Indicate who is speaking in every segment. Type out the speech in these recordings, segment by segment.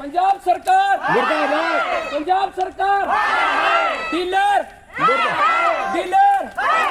Speaker 1: पंजाब सरकार मुर्दाबाद, पंजाब सरकार डीलर डीलर।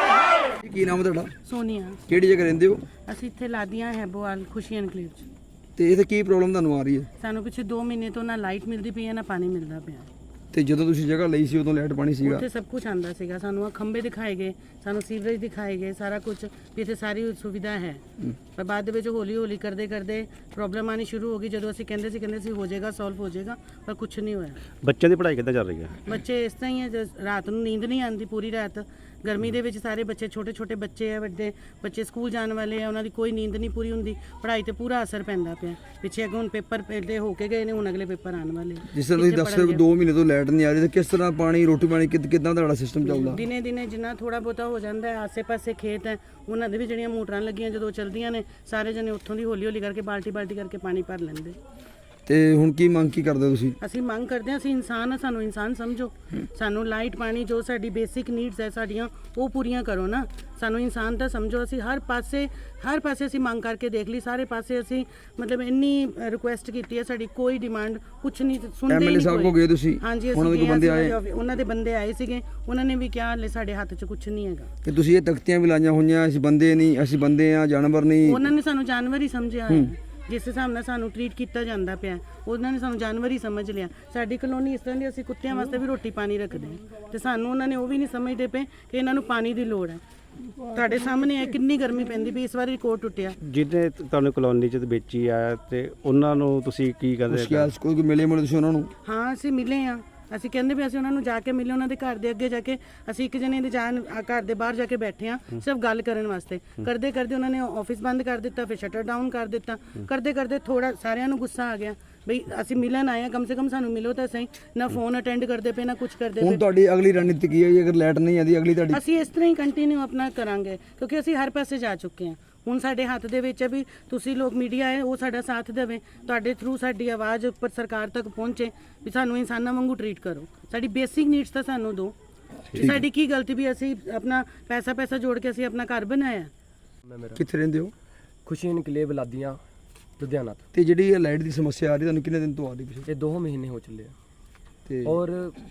Speaker 2: ਕੀ ਨਾਮ ਹੈ ਤੁਹਾਡਾ?
Speaker 3: ਸੋਨੀਆ।
Speaker 2: ਕਿਹੜੀ ਜਗ੍ਹਾ ਰਹਿੰਦੇ ਹੋ?
Speaker 3: ਅਸੀਂ ਇੱਥੇ ਲਾਦੀਆਂ ਹੈਬੋਵਾਲ ਖੁਸ਼ੀ ਐਨਕਲੇਵ 'ਚ।
Speaker 2: ਤੇ ਇੱਥੇ ਕੀ ਪ੍ਰੋਬਲਮ ਤੁਹਾਨੂੰ ਆ ਰਹੀ ਹੈ?
Speaker 3: ਸਾਨੂੰ ਪਿੱਛੇ 2 ਮਹੀਨੇ ਤੋਂ ਨਾ ਲਾਈਟ ਮਿਲਦੀ ਪਈ ਹੈ ਨਾ ਪਾਣੀ ਮਿਲਦਾ ਪਿਆ।
Speaker 2: ਤੇ ਜਦੋਂ ਤੁਸੀਂ ਜਗ੍ਹਾ ਲਈ ਸੀ ਉਦੋਂ ਲਾਈਟ ਪਾਣੀ ਸੀਗਾ?
Speaker 3: ਉੱਥੇ ਸਭ ਕੁਝ ਆਂਦਾ ਸੀਗਾ, ਸਾਨੂੰ ਖੰਭੇ ਦਿਖਾਏ ਗਏ, ਸਾਨੂੰ ਸੀਵਰੇਜ ਦਿਖਾਏ ਗਏ, ਸਾਰਾ ਕੁਝ ਵੀ ਇੱਥੇ ਸਾਰੀ ਸੁਵਿਧਾ ਹੈ। ਪਰ ਬਾਅਦ ਦੇ ਵਿੱਚ ਹੌਲੀ ਹੌਲੀ ਕਰਦੇ ਕਰਦੇ ਪ੍ਰੋਬਲਮ ਆਣੀ ਸ਼ੁਰੂ ਹੋ ਗਈ। ਜਦੋਂ ਅਸੀਂ ਕਹਿੰਦੇ ਸੀ ਹੋ ਜਾਏਗਾ, ਸੋਲਵ ਹੋ ਜਾਏਗਾ, ਪਰ ਕੁਝ ਨਹੀਂ ਹੋਇਆ।
Speaker 4: ਬੱਚਿਆਂ ਦੀ ਪੜ੍ਹਾਈ ਕਿੱਦਾਂ ਚੱਲ ਰਹੀ ਹੈ?
Speaker 3: ਬੱਚੇ ਇਸ ਤਰ੍ਹਾਂ ਹੀ ਹੈ, ਰਾਤ ਨੂੰ ਨੀਂਦ ਨਹੀਂ ਆਉਂਦੀ ਪੂਰੀ ਰਾਤ। ਗਰਮੀ ਦੇ ਵਿੱਚ ਸਾਰੇ ਬੱਚੇ ਛੋਟੇ ਛੋਟੇ ਬੱਚੇ ਆ, ਵੱਡੇ ਬੱਚੇ ਸਕੂਲ ਜਾਣ ਵਾਲੇ ਆ, ਉਹਨਾਂ ਦੀ ਕੋਈ ਨੀਂਦ ਨਹੀਂ ਪੂਰੀ ਹੁੰਦੀ। ਪੜ੍ਹਾਈ ਤੇ ਪੂਰਾ ਅਸਰ ਪੈਂਦਾ ਪਿਆ। ਪਿੱਛੇ ਅੱਗੇ ਹੁਣ ਪੇਪਰ ਪਹਿਲੇ ਹੋ ਕੇ ਗਏ ਨੇ, ਹੁਣ ਅਗਲੇ ਪੇਪਰ ਆਉਣ ਵਾਲੇ।
Speaker 2: ਜਿਸ ਤਰ੍ਹਾਂ ਤੁਸੀਂ ਦੱਸ ਰਹੇ ਹੋ 2 ਮਹੀਨੇ ਤੋਂ ਲਾਈਟ ਨਹੀਂ ਆ ਰਹੀ, ਤੇ ਕਿਸ ਤਰ੍ਹਾਂ ਪਾਣੀ ਰੋਟੀ ਪਾਣੀ ਕਿੱਦਾਂ ਤੁਹਾਡਾ ਸਿਸਟਮ ਚੱਲਦਾ?
Speaker 3: ਦਿਨੇ ਦਿਨੇ ਜਿੰਨਾ ਥੋੜਾ ਬਹੁਤਾ ਹੋ ਜਾਂਦਾ ਹੈ, ਆਸੇ-ਪਾਸੇ ਖੇਤ ਹੈ, ਉਹਨਾਂ ਦੇ ਵੀ ਜਿਹੜੀਆਂ ਮੋਟਰਾਂ ਲੱਗੀਆਂ ਜਦੋਂ ਚੱਲਦੀਆਂ ਨੇ, ਸਾਰੇ ਜਣੇ ਉੱਥੋਂ ਦੀ ਹੌਲੀ ਹੌਲੀ ਕਰਕੇ ਬਾਲਟੀ ਕਰਕੇ ਪਾਣੀ ਭਰ ਲੈਂਦੇ।
Speaker 2: ਤੇ ਹੁਣ ਕੀ ਮੰਗ ਕੀ ਕਰਦੇ ਹੋ ਤੁਸੀਂ?
Speaker 3: ਅਸੀਂ ਮੰਗ ਕਰਦੇ ਹਾਂ, ਅਸੀਂ ਇਨਸਾਨ ਆ, ਸਾਨੂੰ ਇਨਸਾਨ ਸਮਝੋ। ਸਾਨੂੰ ਲਾਈਟ ਪਾਣੀ ਜੋ ਸਾਡੀ ਬੇਸਿਕ ਨੀਡਸ ਹੈ ਸਾਡੀਆਂ, ਉਹ ਪੂਰੀਆਂ ਕਰੋ ਨਾ। ਸਾਨੂੰ ਇਨਸਾਨ ਤਾਂ ਸਮਝੋ। ਅਸੀਂ ਹਰ ਪਾਸੇ ਅਸੀਂ ਮੰਗ ਕਰਕੇ ਦੇਖ ਲਈ, ਸਾਰੇ ਪਾਸੇ ਅਸੀਂ ਮਤਲਬ ਇੰਨੀ ਰਿਕੁਐਸਟ ਕੀਤੀ ਹੈ, ਸਾਡੀ ਕੋਈ ਡਿਮਾਂਡ ਕੁਝ ਨਹੀਂ ਸੁਣਦੇ।
Speaker 2: ਐਮਐਲਏ ਸਾਹਿਬ ਕੋ ਗਏ ਤੁਸੀਂ?
Speaker 3: ਹਾਂਜੀ,
Speaker 2: ਉਹਨਾਂ ਦੇ ਬੰਦੇ ਆਏ?
Speaker 3: ਉਹਨਾਂ ਦੇ ਬੰਦੇ ਆਏ ਸੀਗੇ, ਉਹਨਾਂ ਨੇ ਵੀ ਕਿਹਾ ਹਲੇ ਸਾਡੇ ਹੱਥ 'ਚ ਕੁਝ ਨਹੀਂ ਹੈਗਾ।
Speaker 2: ਤੇ ਤੁਸੀਂ ਇਹ ਤਖਤੀਆਂ ਵੀ ਲਾਈਆਂ ਹੋਈਆਂ, ਅਸੀਂ ਬੰਦੇ ਨਹੀਂ, ਅਸੀਂ ਬੰਦੇ ਆ, ਜਾਨਵਰ ਨਹੀਂ।
Speaker 3: ਉਹਨਾਂ ਨੇ ਸਾਨੂੰ ਜਾਨਵਰ ਹੀ ਸਮਝਿਆ ਹੈ। ਜਿਸ ਹਿਸਾਬ ਨਾਲ ਸਾਨੂੰ ਟ੍ਰੀਟ ਕੀਤਾ ਜਾਂਦਾ ਪਿਆ, ਉਹਨਾਂ ਨੇ ਸਾਨੂੰ ਜਾਨਵਰ ਹੀ ਸਮਝ ਲਿਆ। ਸਾਡੀ ਕਲੋਨੀ ਇਸ ਤਰ੍ਹਾਂ ਦੀ, ਅਸੀਂ ਕੁੱਤਿਆਂ ਵਾਸਤੇ ਵੀ ਰੋਟੀ ਪਾਣੀ ਰੱਖਦੇ ਹਾਂ, ਤੇ ਸਾਨੂੰ ਉਹਨਾਂ ਨੇ ਉਹ ਵੀ ਨਹੀਂ ਸਮਝਦੇ ਪਏ ਕਿ ਇਹਨਾਂ ਨੂੰ ਪਾਣੀ ਦੀ ਲੋੜ ਹੈ। ਤੁਹਾਡੇ ਸਾਹਮਣੇ ਹੈ ਕਿੰਨੀ ਗਰਮੀ ਪੈਂਦੀ ਪਈ, ਇਸ ਵਾਰੀ ਰਿਕਾਰਡ ਟੁੱਟਿਆ।
Speaker 4: ਜਿਹਨੇ ਤੁਹਾਨੂੰ ਕਲੋਨੀ 'ਚ ਵੇਚੀ ਆ, ਤੇ ਉਹਨਾਂ ਨੂੰ ਤੁਸੀਂ ਕੀ ਕਹਿੰਦੇ?
Speaker 2: ਕੋਈ ਮਿਲੇ ਤੁਸੀਂ ਉਹਨਾਂ ਨੂੰ?
Speaker 3: ਹਾਂ, ਅਸੀਂ ਮਿਲੇ ਹਾਂ। ਅਸੀਂ ਕਹਿੰਦੇ ਵੀ ਅਸੀਂ ਉਹਨਾਂ ਨੂੰ ਜਾ ਕੇ ਮਿਲੇ, ਉਹਨਾਂ ਦੇ ਘਰ ਦੇ ਅੱਗੇ ਜਾ ਕੇ ਅਸੀਂ ਇੱਕ ਜਣੇ ਦੇ ਘਰ ਦੇ ਬਾਹਰ ਜਾ ਕੇ ਬੈਠੇ ਹਾਂ ਸਿਰਫ ਗੱਲ ਕਰਨ ਵਾਸਤੇ। ਕਰਦੇ ਕਰਦੇ ਉਹਨਾਂ ਨੇ ਆਫਿਸ ਬੰਦ ਕਰ ਦਿੱਤਾ, ਫਿਰ ਸ਼ਟਰ ਡਾਊਨ ਕਰ ਦਿੱਤਾ। ਕਰਦੇ ਕਰਦੇ ਥੋੜਾ ਸਾਰਿਆਂ ਨੂੰ ਗੁੱਸਾ ਆ ਗਿਆ ਬਈ ਅਸੀਂ ਮਿਲਣ ਆਏ ਹਾਂ, ਕਮ ਸੇ ਕਮ ਸਾਨੂੰ ਮਿਲੋ ਤਾਂ ਸਹੀ। ਨਾ ਫੋਨ ਅਟੈਂਡ ਕਰਦੇ ਪਏ, ਨਾ ਕੁਝ ਕਰਦੇ ਪਏ।
Speaker 2: ਹੁਣ ਤੁਹਾਡੀ ਅਗਲੀ ਰਣਨੀਤੀ ਕੀ ਹੈ ਜੀ? ਅਗਰ ਲਾਈਟ ਨਹੀਂ ਆਦੀ ਅਗਲੀ ਤੁਹਾਡੀ? ਅਸੀਂ
Speaker 3: ਇਸ ਤਰ੍ਹਾਂ ਹੀ ਕੰਟੀਨਿਊ ਆਪਣਾ ਕਰਾਂਗੇ, ਕਿਉਂਕਿ ਅਸੀਂ ਹਰ ਪਾਸੇ ਜਾ ਚੁੱਕੇ ਹਾਂ। ਹੁਣ ਸਾਡੇ ਹੱਥ ਦੇ ਵਿੱਚ ਹੈ ਵੀ ਤੁਸੀਂ ਲੋਕ ਮੀਡੀਆ ਹੈ, ਉਹ ਸਾਡਾ ਸਾਥ ਦੇਵੇ, ਤੁਹਾਡੇ ਥਰੂ ਸਾਡੀ ਆਵਾਜ਼ ਉੱਪਰ ਸਰਕਾਰ ਤੱਕ ਪਹੁੰਚੇ ਵੀ ਸਾਨੂੰ ਇਨਸਾਨਾਂ ਵਾਂਗੂ ਟ੍ਰੀਟ ਕਰੋ। ਸਾਡੀ ਬੇਸਿਕ ਨੀਡਸ ਤਾਂ ਸਾਨੂੰ ਦਿਓ। ਸਾਡੀ ਕੀ ਗਲਤੀ ਵੀ ਅਸੀਂ ਆਪਣਾ ਪੈਸਾ ਜੋੜ ਕੇ ਅਸੀਂ ਆਪਣਾ ਘਰ ਬਣਾਇਆ।
Speaker 2: ਕਿੱਥੇ ਰਹਿੰਦੇ ਹੋ?
Speaker 5: ਖੁਸ਼ੀ ਐਨਕਲੇਵ ਲਾਦੀਆਂ ਲੁਧਿਆਣਾ ਤੋਂ।
Speaker 2: ਤੇ ਜਿਹੜੀ ਇਹ ਲਾਈਟ ਦੀ ਸਮੱਸਿਆ ਆ ਰਹੀ ਤੁਹਾਨੂੰ ਕਿੰਨੇ ਦਿਨ ਤੋਂ ਆ ਰਹੀ ਪਿੱਛੇ?
Speaker 5: ਇਹ 2 ਮਹੀਨੇ ਹੋ ਚੱਲੇ ਆ,
Speaker 2: ਤੇ
Speaker 5: ਔਰ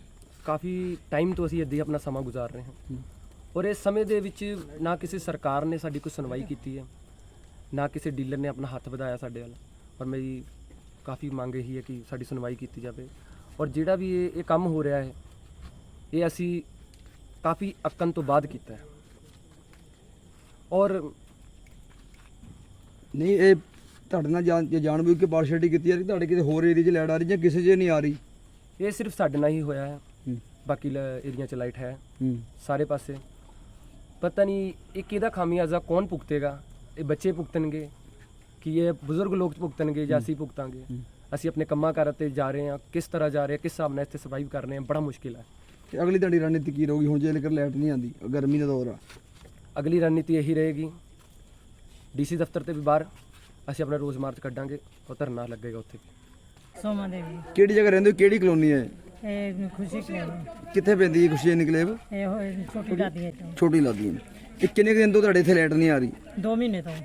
Speaker 5: ਕਾਫੀ ਟਾਈਮ ਤੋਂ ਅਸੀਂ ਇੱਦਾਂ ਹੀ ਆਪਣਾ ਸਮਾਂ ਗੁਜ਼ਾਰ ਰਹੇ ਹਾਂ। ਔਰ ਇਸ ਸਮੇਂ ਦੇ ਵਿੱਚ ਨਾ ਕਿਸੇ ਸਰਕਾਰ ਨੇ ਸਾਡੀ ਕੋਈ ਸੁਣਵਾਈ ਕੀਤੀ ਹੈ, ਨਾ ਕਿਸੇ ਡੀਲਰ ਨੇ ਆਪਣਾ ਹੱਥ ਵਧਾਇਆ ਸਾਡੇ ਵੱਲ। ਔਰ ਮੇਰੀ ਕਾਫੀ ਮੰਗ ਇਹੀ ਹੈ ਕਿ ਸਾਡੀ ਸੁਣਵਾਈ ਕੀਤੀ ਜਾਵੇ। ਔਰ ਜਿਹੜਾ ਵੀ ਇਹ ਕੰਮ ਹੋ ਰਿਹਾ ਹੈ, ਇਹ ਅਸੀਂ ਕਾਫੀ ਅਕਨ ਤੋਂ ਬਾਅਦ ਕੀਤਾ ਹੈ। ਔਰ
Speaker 2: ਨਹੀਂ, ਇਹ ਤੁਹਾਡੇ ਨਾਲ ਜਾਣਬੁੱਝ ਕੇ ਪਾਰਸ਼ੈਲਿਟੀ ਕੀਤੀ ਜਾ ਰਹੀ? ਤੁਹਾਡੇ ਕਿਤੇ ਹੋਰ ਏਰੀਆ 'ਚ ਲਾਈਟ ਆ ਰਹੀ ਜਾਂ ਕਿਸੇ 'ਚ ਨਹੀਂ ਆ ਰਹੀ?
Speaker 5: ਇਹ ਸਿਰਫ ਸਾਡੇ ਨਾਲ ਹੀ ਹੋਇਆ ਹੈ, ਬਾਕੀ ਏਰੀਆ 'ਚ ਲਾਈਟ ਹੈ ਸਾਰੇ ਪਾਸੇ। ਪਤਾ ਨਹੀਂ ਇਹ ਕਿਹਦਾ ਖਾਮਿਆਜ਼ਾ ਕੌਣ ਭੁਗਤੇਗਾ? ਇਹ ਬੱਚੇ ਭੁਗਤਣਗੇ ਕਿ ਇਹ ਬਜ਼ੁਰਗ ਲੋਕ ਭੁਗਤਣਗੇ ਜਾਂ ਅਸੀਂ ਭੁਗਤਾਂਗੇ? ਅਸੀਂ ਆਪਣੇ ਕੰਮਾਂ ਕਾਰਾਂ 'ਤੇ ਜਾ ਰਹੇ ਹਾਂ, ਕਿਸ ਤਰ੍ਹਾਂ ਜਾ ਰਹੇ ਹਾਂ, ਕਿਸ ਹਿਸਾਬ ਨਾਲ ਇੱਥੇ ਸਰਵਾਈਵ ਕਰ ਰਹੇ ਹਾਂ, ਬੜਾ ਮੁਸ਼ਕਿਲ ਹੈ।
Speaker 2: ਤੇ ਅਗਲੀ ਤੁਹਾਡੀ ਰਣਨੀਤੀ ਕੀ ਰਹੂਗੀ ਹੁਣ ਜੇਕਰ ਲਾਈਟ ਨਹੀਂ ਆਉਂਦੀ? ਗਰਮੀ ਦਾ ਦੌਰ ਆ।
Speaker 5: ਅਗਲੀ ਰਣਨੀਤੀ ਇਹੀ ਰਹੇਗੀ, ਡੀਸੀ ਦਫ਼ਤਰ ਤੇ ਵੀ ਬਾਹਰ ਅਸੀਂ ਆਪਣਾ ਰੋਜ਼ ਮਾਰਚ ਕੱਢਾਂਗੇ, ਉਹ ਧਰਨਾ ਲੱਗੇਗਾ ਉੱਥੇ।
Speaker 3: ਸੋਮਾ ਦੇਵੀ।
Speaker 2: ਕਿਹੜੀ ਜਗ੍ਹਾ ਰਹਿੰਦੇ ਹੋ? ਕਿਹੜੀ ਕਲੋਨੀ ਹੈ
Speaker 3: ਇਹ? ਖੁਸ਼ੀ ਕਲੇਵ।
Speaker 2: ਕਿੱਥੇ ਪੈਂਦੀ ਹੈ ਖੁਸ਼ੀ ਐਨਕਲੇਵ?
Speaker 3: ਇਹ ਛੋਟੀ ਲਾਦੀ ਹੈ।
Speaker 2: ਛੋਟੀ ਲਾਦੀ ਹੈ। ਇਹ ਕਿੰਨੇ ਕੁ ਦਿਨ ਤੋਂ ਤੁਹਾਡੇ ਇੱਥੇ ਲਾਈਟ ਨਹੀਂ ਆ ਰਹੀ?
Speaker 3: 2 ਮਹੀਨੇ ਤੋਂ।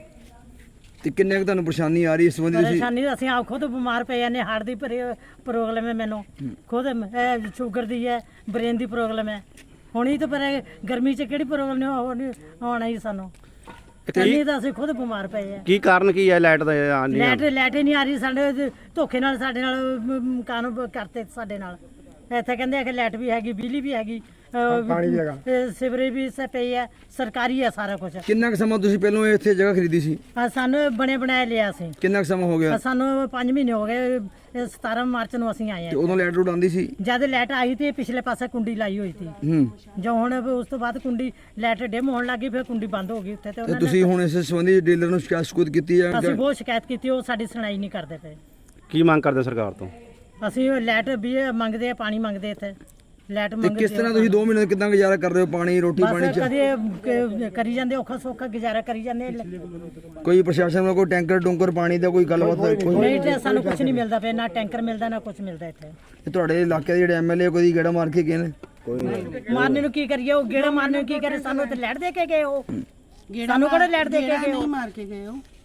Speaker 2: ਤੇ ਕਿੰਨੇ ਕੁ ਤੁਹਾਨੂੰ ਪਰੇਸ਼ਾਨੀ ਆ ਰਹੀ ਇਸ ਸੰਬੰਧੀ?
Speaker 3: ਪਰੇਸ਼ਾਨੀ ਅਸੀਂ ਆਪ ਖੁਦ ਬਿਮਾਰ ਪਏ ਜਾਂਦੇ, ਹਾਰਟ ਦੀ ਪ੍ਰੋਬਲਮ ਹੈ ਮੈਨੂੰ ਖੁਦ, ਸ਼ੂਗਰ ਦੀ ਹੈ, ਬ੍ਰੇਨ ਦੀ ਪ੍ਰੋਬਲਮ ਹੈ। ਹੁਣ ਹੀ ਤਾਂ ਪਰ ਗਰਮੀ 'ਚ ਕਿਹੜੀ ਪ੍ਰੋਬਲਮ ਨਹੀਂ ਆਉਣਾ ਹੀ ਸਾਨੂੰ। ਇੰਨੀ ਤਾਂ ਅਸੀਂ ਖੁਦ ਬਿਮਾਰ ਪਏ ਆ।
Speaker 4: ਕੀ ਕਾਰਨ ਕੀ ਹੈ ਲਾਈਟ ਦਾ?
Speaker 3: ਲਾਈਟ ਹੀ ਨਹੀਂ ਆ ਰਹੀ। ਸਾਡੇ ਧੋਖੇ ਨਾਲ ਸਾਡੇ ਨਾਲ ਮਕਾਨ ਕਰਤੇ ਸਾਡੇ ਨਾਲ। ਇੱਥੇ ਕਹਿੰਦੇ ਆ ਕਿ ਲਾਈਟ ਵੀ ਹੈਗੀ, ਬਿਜਲੀ ਵੀ ਹੈਗੀ, ਪਾਣੀ ਵੀ ਹੈਗਾ, ਸਿਵਰੇਜ ਵੀ ਪਈ ਹੈ, ਸਰਕਾਰੀ ਹੈ ਸਾਰਾ ਕੁਝ।
Speaker 2: ਕਿੰਨਾ ਕੁ ਸਮਾਂ ਤੁਸੀਂ ਪਹਿਲਾਂ ਇੱਥੇ ਜਗ੍ਹਾ ਖਰੀਦੀ ਸੀ?
Speaker 3: ਸਾਨੂੰ ਬਣੇ ਬਣਾਏ ਲਿਆ ਸੀ।
Speaker 2: ਕਿੰਨਾ ਕੁ ਸਮਾਂ ਹੋ ਗਿਆ?
Speaker 3: ਸਾਨੂੰ 5 ਮਹੀਨੇ ਹੋ ਗਏ। 17 ਮਾਰਚ ਨੂੰ ਅਸੀਂ ਆਏ
Speaker 2: ਤੇ
Speaker 3: ਹਾਂ।
Speaker 2: ਉਦੋਂ ਲਾਈਟ ਰੋਡ ਆਉਂਦੀ ਸੀ?
Speaker 3: ਜਦ ਲਾਈਟ ਆਈ ਤੇ ਪਿਛਲੇ ਪਾਸੇ ਕੁੰਡੀ ਲਾਈ ਹੋਈ ਸੀ। ਜੋ ਹੁਣ ਉਸ ਤੋਂ ਬਾਅਦ ਕੁੰਡੀ ਲਾਈਟ ਡਿਮ ਹੋਣ ਲੱਗੀ, ਫਿਰ ਕੁੰਡੀ ਬੰਦ ਹੋ ਗਈ ਉੱਥੇ। ਤੇ
Speaker 2: ਤੁਸੀਂ ਹੁਣ ਇਸ ਸੰਬੰਧੀ ਡੀਲਰ ਨੂੰ ਸ਼ਿਕਾਇਤ ਕੀਤੀ ਹੈ?
Speaker 3: ਅਸੀਂ ਬਹੁਤ ਸ਼ਿਕਾਇਤ ਕੀਤੀ, ਉਹ ਸਾਡੀ ਸੁਣਾਈ ਨਹੀਂ ਕਰਦੇ ਪਏ।
Speaker 4: ਕੀ ਮੰਗ ਕਰਦੇ ਸਰਕਾਰ ਤੋਂ?
Speaker 3: ਅਸੀਂ ਲਾਈਟ ਵੀ ਮੰਗਦੇ ਆ, ਪਾਣੀ ਮੰਗਦੇ ਇੱਥੇ ਲਾਈਟ
Speaker 2: ਤੇ
Speaker 3: ਮੰਗਦੇ।
Speaker 2: ਕਿਸ ਤਰ੍ਹਾਂ ਤੁਸੀਂ 2 ਮਹੀਨੇ ਕਿੱਦਾਂ ਗੁਜ਼ਾਰਾ ਕਰ ਰਹੇ ਹੋ? ਪਾਣੀ ਰੋਟੀ ਪਾਣੀ ਚ
Speaker 3: ਕਦੇ ਕਰੀ ਜਾਂਦੇ, ਔਖਾ ਸੌਖਾ ਗੁਜ਼ਾਰਾ ਕਰੀ ਜਾਂਦੇ।
Speaker 2: ਕੋਈ ਪ੍ਰਸ਼ਾਸਨ ਵੱਲੋਂ ਕੋਈ ਟੈਂਕਰ ਪਾਣੀ ਦਾ ਕੋਈ ਗੱਲਬਾਤ?
Speaker 3: ਨਹੀਂ, ਸਾਨੂੰ ਕੁਝ ਨਹੀਂ ਮਿਲਦਾ ਪਿਆ, ਨਾ ਟੈਂਕਰ ਮਿਲਦਾ, ਨਾ ਕੁਝ ਮਿਲਦਾ ਇੱਥੇ।
Speaker 2: ਤੇ ਤੁਹਾਡੇ ਇਲਾਕੇ ਦੇ ਜਿਹੜੇ ਐਮਐਲਏ ਕੋਈ ਗੇੜਾ ਮਾਰ ਕੇ ਗਏ ਨੇ?
Speaker 3: ਮਾਰਨੇ ਨੂੰ ਕੀ ਕਰੀਏ? ਉਹ ਗੇੜਾ ਮਾਰਨੇ ਨੂੰ ਕੀ ਕਰੇ? ਸਾਨੂੰ ਤੇ ਲਾਈਟ ਦੇ ਕੇ ਗਏ, ਉਹ ਸਾਨੂੰ ਕਿਹੜਾ ਲਾਈਟ ਦੇ ਕੇ ਗਏ? ਨਹੀਂ ਮਾਰ ਕੇ ਗਏ ਉਹ।